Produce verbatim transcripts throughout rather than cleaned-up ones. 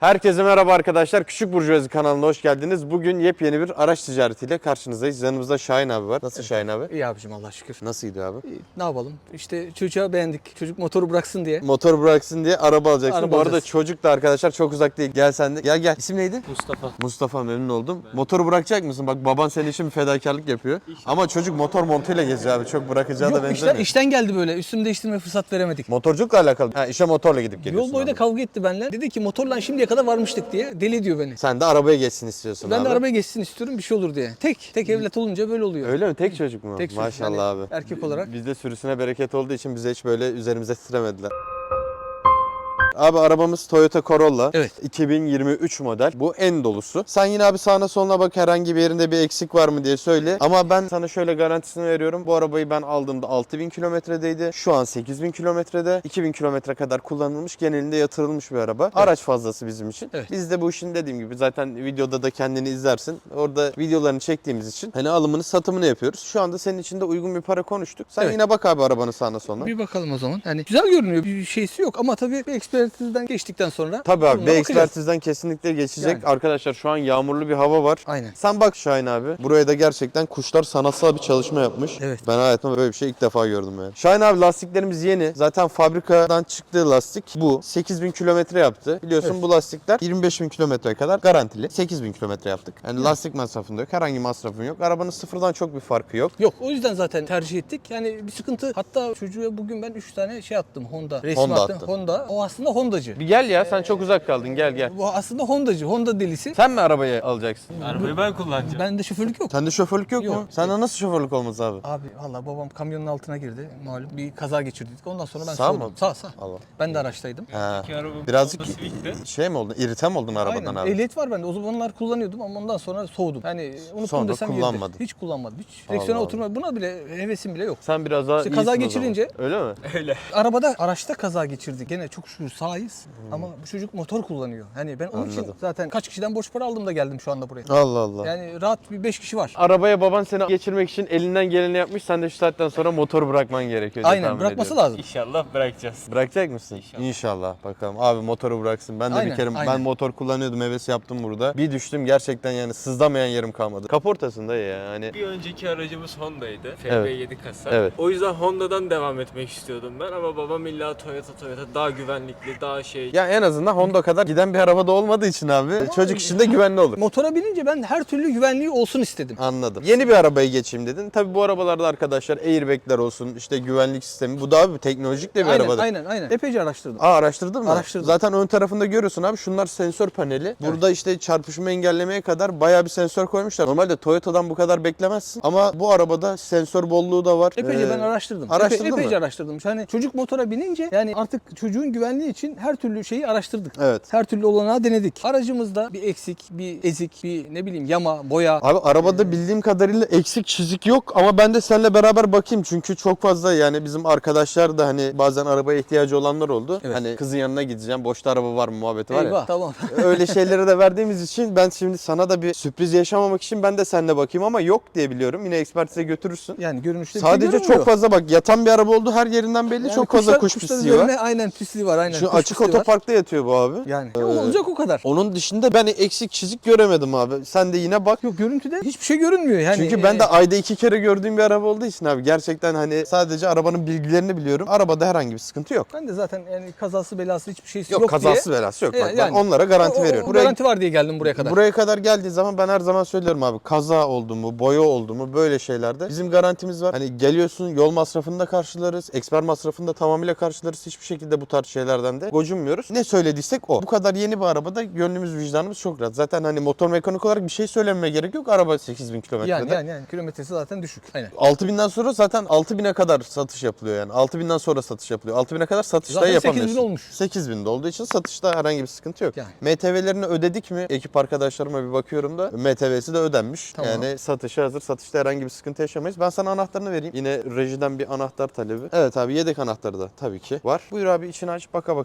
Herkese merhaba arkadaşlar. Küçük Burjuvazi kanalına hoş geldiniz. Bugün yepyeni bir araç ticaretiyle karşınızdayız. Yanımızda Şahin abi var. Nasıl Şahin abi? İyi abicim Allah şükür. Nasıl gidiyor abi? İyi, ne yapalım? İşte çocuğa beğendik. Çocuk motoru bıraksın diye. Motor bıraksın diye araba alacaksın. Araba Bu arada alacağız. çocuk da arkadaşlar çok uzak değil. Gel sen de. Gel gel. İsim neydi? Mustafa. Mustafa, memnun oldum. Motoru bırakacak mısın? Bak baban senin için bir fedakarlık yapıyor. Ama çocuk motor montuyla geziyor abi. Çok bırakacağı da Yok benzemiyor. işten, işten geldi böyle. Üstümü değiştirme fırsat veremedik. Motorculukla alakalı. Ha, işe motorla gidip geliyorsun. Yol boyu da abi. kavga etti benimle. Dedi ki motorla şimdiye kadar varmıştık diye. Deli diyor beni. Sen de arabaya geçsin istiyorsun Ben abi. de arabaya geçsin istiyorum bir şey olur diye. Tek. Tek evlat olunca böyle oluyor. Öyle mi? Tek çocuk mu? Tek çocuk. Maşallah Hani abi. erkek olarak. Bizde sürüsüne bereket olduğu için bize hiç böyle üzerimize titremediler. Abi arabamız Toyota Corolla. Evet. iki bin yirmi üç model. Bu en dolusu. Sen yine abi sağına soluna bak, herhangi bir yerinde bir eksik var mı diye söyle. Ama ben sana şöyle garantisini veriyorum. Bu arabayı ben aldığımda altı bin kilometredeydi. Şu an sekiz bin kilometrede. iki bin kilometre kadar kullanılmış. Genelinde yatırılmış bir araba. Araç fazlası bizim için. Evet. Biz de bu işin dediğim gibi zaten videoda da kendini izlersin. Orada videolarını çektiğimiz için hani alımını satımını yapıyoruz. Şu anda senin için de uygun bir para konuştuk. Sen Evet. yine bak abi arabanın sağına soluna. Bir bakalım o zaman. Yani güzel görünüyor. Bir şeysi yok ama tabii bir ekspertizden geçtikten sonra Tabii abi, durumuna bir bakacağız. ekspertizden kesinlikle geçecek. Yani. Arkadaşlar şu an yağmurlu bir hava var. Aynen. Sen bak Şahin abi. Buraya da gerçekten kuşlar sanatsal bir çalışma yapmış. Evet. Ben hayatımda böyle bir şey ilk defa gördüm yani. Şahin abi lastiklerimiz yeni. Zaten fabrikadan çıktığı lastik bu. sekiz bin kilometre yaptı. Biliyorsun Evet. bu lastikler yirmi beş bin kilometreye kadar garantili. sekiz bin kilometre yaptık. Yani lastik masrafında yok. Herhangi masrafın yok. Arabanın sıfırdan çok bir farkı yok. Yok o yüzden zaten tercih ettik. Yani bir sıkıntı. Hatta çocuğa bugün ben üç tane şey attım Honda. Resim Honda attım. attın. Honda. O aslında Hondacı. Bir gel ya, sen çok uzak kaldın, gel gel. Bu aslında Hondacı. Honda delisi. Sen mi arabayı alacaksın? Arabayı ben kullanacağım. Bende şoförlük yok. Sende şoförlük yok, Yok. mu? Sende nasıl şoförlük olmaz abi? Abi valla babam kamyonun altına girdi. Malum bir kaza geçirdik. Ondan sonra ben Sağ soğudum. mı? Sağ sağ. Allah. Ben de araçtaydım. Ha. İki araba Birazcık Honda Civic'ti. şey mi oldun? İrite mi oldun arabadan Aynen. abi? Ehliyet var bende. O zamanlar kullanıyordum ama ondan sonra soğudum. Yani unuttum Sonra desem kullanmadın. yeridir. Hiç kullanmadım. Hiç direksiyona Allah oturma. Buna bile hevesim bile yok. Sen biraz daha İşte kaza iyisin o zaman. geçirince- Öyle mi? Öyle. Arabada, araçta kaza geçirdik. Gene çok şükür sağız ama bu çocuk motor kullanıyor. Hani ben onun için Hmm. Anladım. zaten kaç kişiden borç para aldım da geldim şu anda buraya. Allah Allah. Yani rahat bir beş kişi var. Arabaya baban seni geçirmek için elinden geleni yapmış. Sen de şu saatten sonra motor bırakman gerekiyor diye Aynen tahmin bırakması ediyorum. lazım. İnşallah bırakacağız. Bırakacak mısın? İnşallah. İnşallah. Bakalım. Abi motoru bıraksın. Ben de Aynen, bir kere aynen. ben motor kullanıyordum. Heves yaptım burada. Bir düştüm gerçekten, yani sızlamayan yerim kalmadı. Kaportasında ya hani. Bir önceki aracımız Honda'ydı. F Evet. B yedi kasa. Evet. O yüzden Honda'dan devam etmek istiyordum ben ama babam illa Toyota Toyota daha güvenlikli, daha şey. Ya en azından Honda kadar giden bir arabada olmadığı için abi çocuk işinde güvenli olur. Motora binince ben her türlü güvenliği olsun istedim. Anladım. Yeni bir arabaya geçeyim dedin. Tabii bu arabalarda arkadaşlar airbag'ler olsun, işte güvenlik sistemi. Bu da abi teknolojik de bir Aynen, arabada. aynen, aynen. Epeyce araştırdım. Aa, araştırdın mı? Araştırdım. Zaten ön tarafında görüyorsun abi, şunlar sensör paneli. Burada işte çarpışma engellemeye kadar bayağı bir sensör koymuşlar. Normalde Toyota'dan bu kadar beklemezsin ama bu arabada sensör bolluğu da var. Epeyce Ee, ben araştırdım. araştırdın Epe, epeyce mı? araştırdım. Yani çocuk motora binince yani artık çocuğun güvenliği için her türlü şeyi araştırdık. Evet. Her türlü olanağı denedik. Aracımızda bir eksik, bir ezik, bir ne bileyim yama, boya. Abi arabada bildiğim kadarıyla eksik çizik yok ama ben de seninle beraber bakayım çünkü çok fazla, yani bizim arkadaşlar da hani bazen arabaya ihtiyacı olanlar oldu. Evet. Hani kızın yanına gideceğim, boşta araba var mı muhabbeti var ya. Eyvah tamam. Öyle şeylere de verdiğimiz için ben şimdi sana da bir sürpriz yaşamamak için ben de seninle bakayım ama yok diye biliyorum. Yine ekspertize götürürsün. Yani görünüşte bir şey Sadece görünmüyor. çok fazla bak, yatan bir araba oldu, her yerinden belli, Yani çok fazla kuşlar- kuş kuşların pisliği var. üzerine aynen pisliği var aynen. Şu kuş açık pisliği var. otoparkta yatıyor bu abi. Yani Ee, olacak o kadar. Onun dışında ben eksik çizik göremedim abi. Sen de yine bak. Yok görüntüde hiçbir şey görünmüyor yani. Çünkü ben e, de ayda iki kere gördüğüm bir araba olduğu için abi gerçekten hani sadece arabanın bilgilerini biliyorum. Arabada herhangi bir sıkıntı yok. ben de zaten yani kazası belası hiçbir şeysi Yok, yok, kazası diye. belası yok. E, Bak ben yani. onlara garanti O- o- veriyorum. O, Buraya, garanti var diye geldim buraya kadar. buraya kadar geldiği zaman ben her zaman söylüyorum abi, kaza oldu mu, boya oldu mu, böyle şeylerde bizim garantimiz var. Hani geliyorsun, yol masrafını da karşılarız, eksper masrafını da tamamıyla karşılarız. Hiçbir şekilde bu tarz şeylerden de gocunmuyoruz. Ne söylediysek o. Bu kadar yeni bir arabada gönlümüz vicdanımız çok rahat. Zaten hani motor mekanik olarak bir şey söylememe gerek yok. Araba sekiz bin kilometrede. yani, yani yani kilometresi zaten düşük. Aynen. altı binden sonra zaten altı bine kadar satış yapılıyor yani. altı binden sonra satış yapılıyor. altı bine kadar satışta Zaten yapamıyorsun. sekiz bin olmuş. sekiz binde olduğu için satışta herhangi bir sıkıntı yok. Yani. M T V'lerini ödedik mi? Ekip arkadaşlarıma bir bakıyorum da M T V'si de ödenmiş. Tamam. Yani satışa hazır. Satışta herhangi bir sıkıntı yaşamayız. Ben sana anahtarını vereyim. Yine rejiden bir anahtar talebi. Evet abi, yedek anahtarı da tabii ki var. Buyur abi, içini aç, baka baka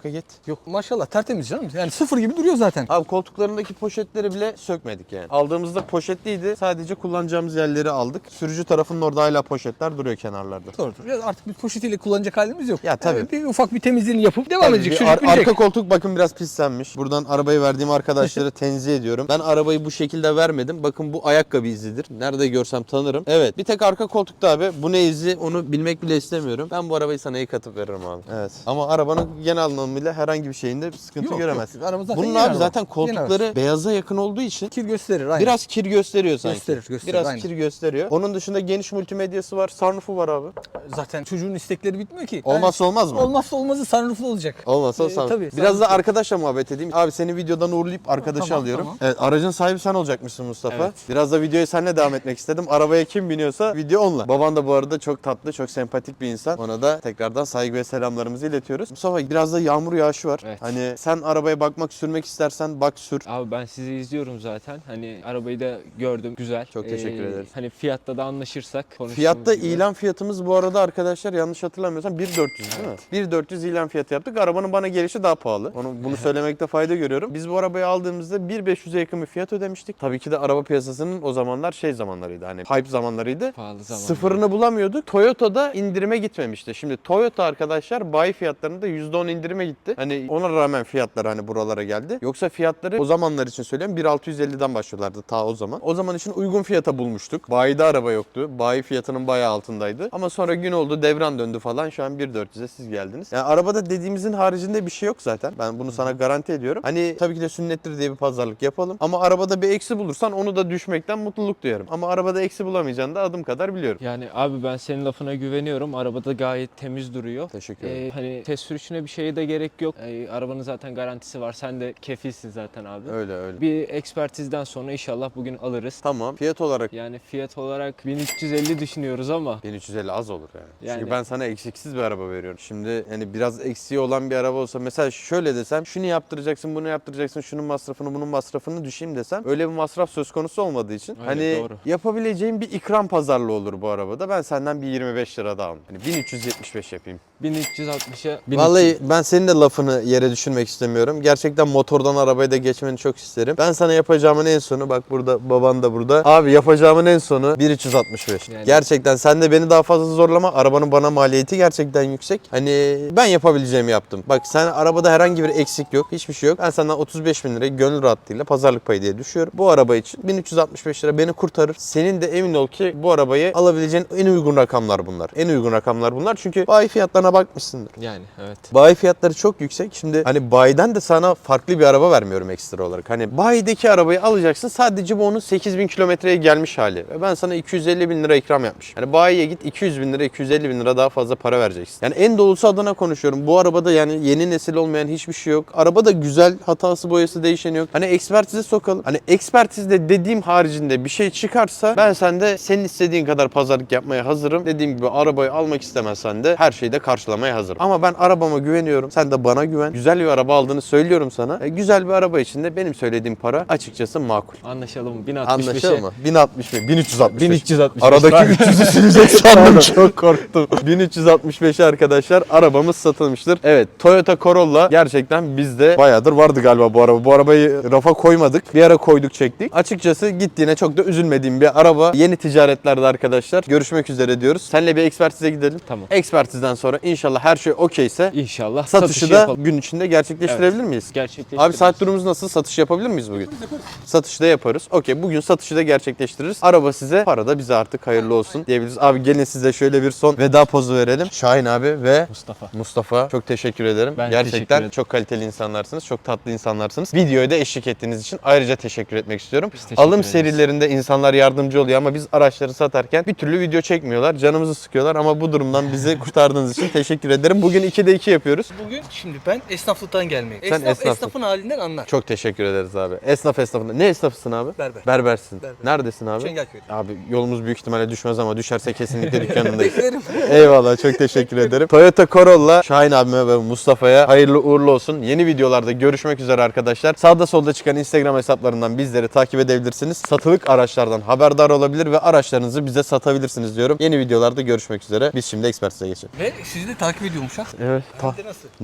git. Yok maşallah tertemiz canım. Yani sıfır gibi duruyor zaten. Abi koltuklarındaki poşetleri bile sökmedik yani. Aldığımızda poşetliydi. Sadece kullanacağımız yerleri aldık. Sürücü tarafının orada hala poşetler duruyor kenarlarda. Doğrudur. Ya artık bir poşetiyle kullanacak halimiz yok. Ya tabii. Yani bir ufak bir temizliğini yapıp devam Tabii edecek. bir Çocuk ar- bilecek. arka koltuk bakın biraz pislenmiş. Buradan arabayı verdiğim arkadaşları tenzih ediyorum. Ben arabayı bu şekilde vermedim. Bakın bu ayakkabı izidir. Nerede görsem tanırım. Evet. Bir tek arka koltukta abi. Bu ne izi onu bilmek bile istemiyorum. Ben bu arabayı sana yıkatıp veririm abi. Evet. Ama arabanın genel anlamıyla herhangi bir şeyinde bir sıkıntı Yok, göremezsin. yok. Araba zaten Bunun yeni abi araba. zaten Yeni koltukları beyaza yakın olduğu için Kir gösterir aynen. biraz kir gösteriyor sanki. Gösterir, gösterir, Biraz aynen. kir gösteriyor. Onun dışında geniş multimedyası var. Sunroof'u var abi. Zaten çocuğun istekleri bitmiyor ki. Olmazsa olmaz mı? Olmazsa olmazı sunrooflu olacak. Olmazsa Ee, sunroof. tabii, Biraz da sunroof. arkadaşla muhabbet edeyim. Abi seni videodan uğurlayıp arkadaşı Tamam, alıyorum. tamam. Evet, aracın sahibi sen olacakmışsın Mustafa. Evet. Biraz da videoyu seninle devam etmek istedim. Arabaya kim biniyorsa video onunla. Baban da bu arada çok tatlı, çok sempatik bir insan. Ona da tekrardan saygı ve selamlarımızı iletiyoruz. Mustafa biraz da yağmur yağışı var. Evet. Hani sen arabaya bakmak, sürmek istersen bak sür. Abi ben sizi izliyorum zaten. Hani arabayı da gördüm. Güzel. Çok teşekkür ederiz. Hani fiyatta da anlaşırsak konuştuğumuz Fiyatta gibi. ilan fiyatımız bu arada arkadaşlar yanlış hatırlamıyorsam bin dört yüz değil mi? bin dört yüz ilan fiyatı yaptık. Arabanın bana gelişi daha pahalı. Onu bunu söylemekte fayda görüyorum. Biz bu arabayı aldığımızda bin beş yüze yakın bir fiyat ödemiştik. Tabii ki de araba piyasasının o zamanlar şey zamanlarıydı. Hani hype zamanlarıydı. Pahalı zaman. Sıfırını bulamıyorduk. Toyota'da indirime gitmemişti. Şimdi Toyota arkadaşlar bayi fiyatlarında yüzde on indirime gitti. Hani ona rağmen fiyatlar hani buralara geldi. Yoksa fiyatları o zamanlar için söylüyorum bin altı yüz elliden başlıyorlardı ta o zaman. O zaman için uygun fiyata bulmuştuk. Bayide araba yoktu. Bayi fiyatının bayağı altındaydı. Ama sonra gün oldu, devran döndü falan. Şu an bin dört yüze siz geldiniz. Yani arabada dediğimizin haricinde bir şey yok zaten. Ben bunu sana garanti ediyorum. Hani tabii ki de sünnettir diye bir pazarlık yapalım. Ama arabada bir eksi bulursan onu da düşmekten mutluluk duyarım. Ama arabada eksi bulamayacağını da adım kadar biliyorum. Yani abi ben senin lafına güveniyorum. Arabada gayet temiz duruyor. Teşekkür ederim. Ee, hani test sürüşüne bir şeye de gerek yok. Ee, arabanın zaten garantisi var. Sen de kefilsin zaten abi. Öyle öyle. Bir ekspertizden sonra inşallah bugün alırız. Tamam. Fiyat olarak Yani fiyat olarak bin üç yüz elli düşünüyoruz ama bin üç yüz elli az olur yani. Yani- Çünkü ben sana eksiksiz bir araba veriyorum. Şimdi hani biraz eksiği olan bir araba olsa mesela şöyle desem şunu yaptıracaksın, bunu yaptıracaksın, şunun masrafını, bunun masrafını düşeyim desem öyle bir masraf söz konusu olmadığı için Öyle, hani doğru. yapabileceğim bir ikram pazarlığı olur bu arabada. Ben senden bir yirmi beş lira daha alırım. Hani bin üç yüz yetmiş beş yapayım. bin üç yüz altmışa bin Vallahi ben senin de lafını yere düşürmek istemiyorum. Gerçekten motordan arabaya da geçmeni çok isterim. Ben sana yapacağımın en sonu bak burada baban da burada. Abi yapacağımın en sonu bin üç yüz altmış beş. Yani- Gerçekten sen de beni daha fazla zorlama. Arabanın bana maliyeti gerçekten yüksek. Hani ben yapabileceğimi yaptım. Bak sen arabada herhangi bir eksik yok. Hiçbir şey yok. Ben senden otuz beş bin lirayı gönül rahatlığıyla pazarlık payı diye düşüyorum. Bu araba için bin üç yüz altmış beş lira beni kurtarır. Senin de emin ol ki bu arabayı alabileceğin en uygun rakamlar bunlar. En uygun rakamlar bunlar. Çünkü bayi fiyatlarına bakmışsındır. Yani evet. Bayi fiyatları çok yüksek. Şimdi hani bayiden de sana farklı bir araba vermiyorum ekstra olarak. Hani bayideki arabayı alacaksın. Sadece bu onun sekiz bin kilometreye gelmiş hali. Ve ben sana iki yüz elli bin lira ikram yapmışım. Hani bayiye git iki yüz bin lira, iki yüz elli bin lira daha fazla para vereceksin. Yani en dolusu adına konuşuyorum. Bu arabada yani yeni nesil olmayan hiçbir şey yok. Araba da güzel. Hatası boyası değişeni yok. Hani ekspertize sokalım. Hani ekspertizde dediğim haricinde bir şey çıkarsa ben sende senin istediğin kadar pazarlık yapmaya hazırım. Dediğim gibi arabayı almak istemezsen de her şeyi de karşılamaya hazırım. Ama ben arabama güveniyorum. Sen de bana güven. Güzel bir araba aldığını söylüyorum sana. E, güzel bir araba için de benim söylediğim para açıkçası makul. Anlaşalım. bin altmış beşe. Anlaşıldı mı? bin altmış beş, bin üç yüz altmış beş. bin üç yüz altmış beş. Aradaki üç yüzü silecek sandım, çok korktum. bin üç yüz altmış beşe arkadaşlar arabamız satılmıştır. Evet, Toyota Corolla gerçekten bizde bayağıdır vardı galiba bu araba. Bu arabayı rafa koymadık. Bir ara koyduk çektik. Açıkçası gittiğine çok da üzülmediğim bir araba. Yeni ticaretlerde arkadaşlar görüşmek üzere diyoruz. Seninle bir ekspertize gidelim. Tamam. Ekspertizden sonra inşallah her şey okeyse İnşallah satışı da yapalım. gün içinde gerçekleştirebilir miyiz? Gerçekleştiririz. Abi saat durumumuz nasıl? Satış yapabilir miyiz bugün? Satışı da yaparız. Okey, bugün satışı da gerçekleştiririz. Araba size, para da bize artık hayırlı olsun diyebiliriz. Abi gelin size şöyle bir son veda pozu verelim. Şahin abi ve Mustafa. Mustafa çok teşekkür ederim. Ben teşekkür Gerçekten ederim. çok kaliteli insanlarsınız. Çok tatlı insanlarsınız. Videoya da eşlik ettiğiniz için ayrıca teşekkür etmek istiyorum. teşekkür Alım ederiz. serilerinde insanlar yardımcı oluyor ama biz araçları satarken bir türlü video çekmiyorlar. Canımızı sıkıyorlar ama bu durumdan bizi kurtardığınız için teşekkür ederim. Bugün ikide iki yapıyoruz. Bugün şimdi ben esnaflıktan gelmeyim. Sen Esnaf esnafsın. esnafın halinden anlar. Çok teşekkür ederiz abi. Esnaf esnafında. Ne esnafısın abi? Berber. Berbersin. Berber. Neredesin abi? Çengelköy. Abi yolumuz büyük ihtimalle düşmez ama düşerse kesinlikle dükkanındayız. Beklerim. Eyvallah, çok teşekkür ederim. Toyota Corolla Şahin abime ve Mustafa'ya hayırlı uğurlu olsun. Yeni videolarda görüşmek üzere arkadaşlar. Sağda solda çıkan Instagram hesaplarından bizleri takip edebilirsiniz. Satılık araçlardan haberdar olabilir ve araçlarınızı bize satabilirsiniz diyorum. Yeni videolarda görüşmek üzere. Biz şimdi ekspertize geçelim. Ve sizi de takip ediyormuş ha. Evet. Hem de nasıl?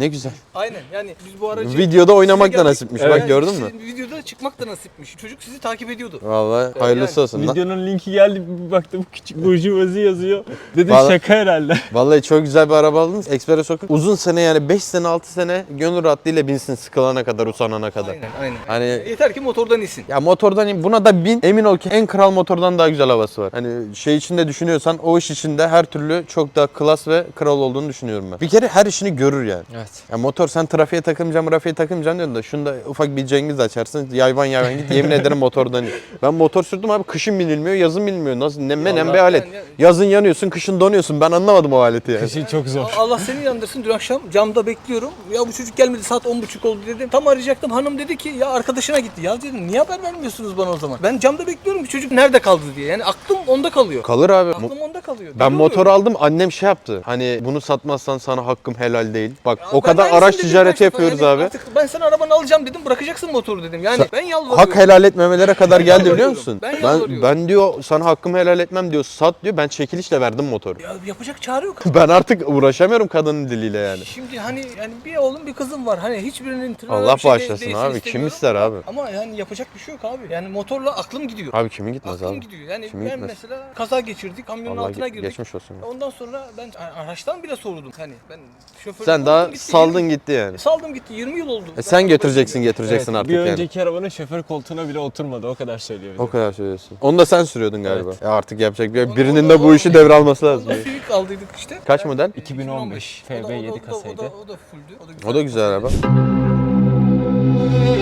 Ne güzel. Aynen yani biz bu aracı... Videoda oynamak size da geldik. nasipmiş. Evet. Bak gördün mü? Sizin videoda çıkmak da nasipmiş. Çocuk sizi takip ediyordu. Vallahi hayırlısı yani olsun lan. Videonun linki geldi, bir baktım küçük burjuvazi yazıyor. Dedim Vallahi- şaka herhalde. Vallahi çok güzel bir araba aldınız. Express Sokak. Uzun sene yani beş sene altı sene gönül rahatlığıyla binsin sıkılana kadar, usanana kadar. Aynen aynen. Hani Yeter ki motordan insin. ya motordan in, buna da bin, emin ol ki en kral motordan daha güzel havası var. Hani şey içinde düşünüyorsan o iş içinde her türlü çok daha klas ve kral olduğunu düşünüyorum ben. Bir kere her işini görür yani. Evet. Ya motor sen trafiğe takılmayacağım, trafiğe takılmayacağım diyorsun da şunda ufak bir cengiz açarsın, yayvan yayvan git, yemin ederim motordan in. Ben motor sürdüm abi, kışın binilmiyor, yazın binilmiyor. Nasıl ne menem bir Vallahi alet. yani- Yazın yanıyorsun, kışın donuyorsun. Ben anlamadım o aleti yani. Kışın çok zor. Allah seni yandırsın. Dün akşam camda bekliyorum. Ya bu çocuk gelmedi, saat on buçuk oldu dedim. Tam arayacaktım. Hanım dedi ki ya arkadaşına gitti. Ya dedim niye haber vermiyorsunuz bana o zaman? Ben camda bekliyorum ki çocuk nerede kaldı diye. Yani aklım onda kalıyor. Kalır abi. Mo- Aklım onda kalıyor. Ben Deli motor oluyorum. aldım, annem şey yaptı. Hani bunu satmazsan sana hakkım helal değil. Bak Ya o ben kadar aynısını araç dedim ticareti kaç defa. yapıyoruz Yani abi. Artık ben sana arabanı alacağım dedim, bırakacaksın motoru dedim. Yani Sa- ben yalvarıyorum. Hak helal etmemelere kadar Ben geldi biliyor yalvarıyorum. musun? Ben Ben yalvarıyorum. ben diyor sana hakkımı helal etmem diyor. Sat diyor. Ben çekilişle verdim motoru. Ya yapacak çare yok. Ben artık uğraşamıyorum kadının diliyle yani. Şimdi hani yani bir oğlum bir kızım var. Hani hiçbirinin tırnağı Allah bir şey de- bağışlasın değişsin abi. Kim istemiyorum. ister abi? Ama yani yapacak bir şey yok abi. Yani motorla aklım gidiyor. Abi kimin gitmez Aklım abi? gidiyor. Yani Kimin ben gitmez? mesela kaza geçirdik. Kamyonun Vallahi altına ge- girdik. geçmiş olsun. Ondan sonra ben araçtan bile sordum. Hani ben şoför Sen daha saldın gitti yani. Saldım gitti. yirmi yıl oldu. E Ben sen araba götüreceksin sürmüyorum. getireceksin Evet, artık bir yani. önceki arabanın şoför koltuğuna bile oturmadı, o kadar söylüyor. O kadar söylüyorsun. Onu da sen sürüyordun galiba. Evet. Ya artık yapacak bir Onu- birinin onu- de bu onu- işi devralması lazım. Onda Civic aldıydık işte. Kaç model? iki bin on beş O da- F B yedi o da- o da- kasaydı. O da, o da fulldü. O da O da güzel araba.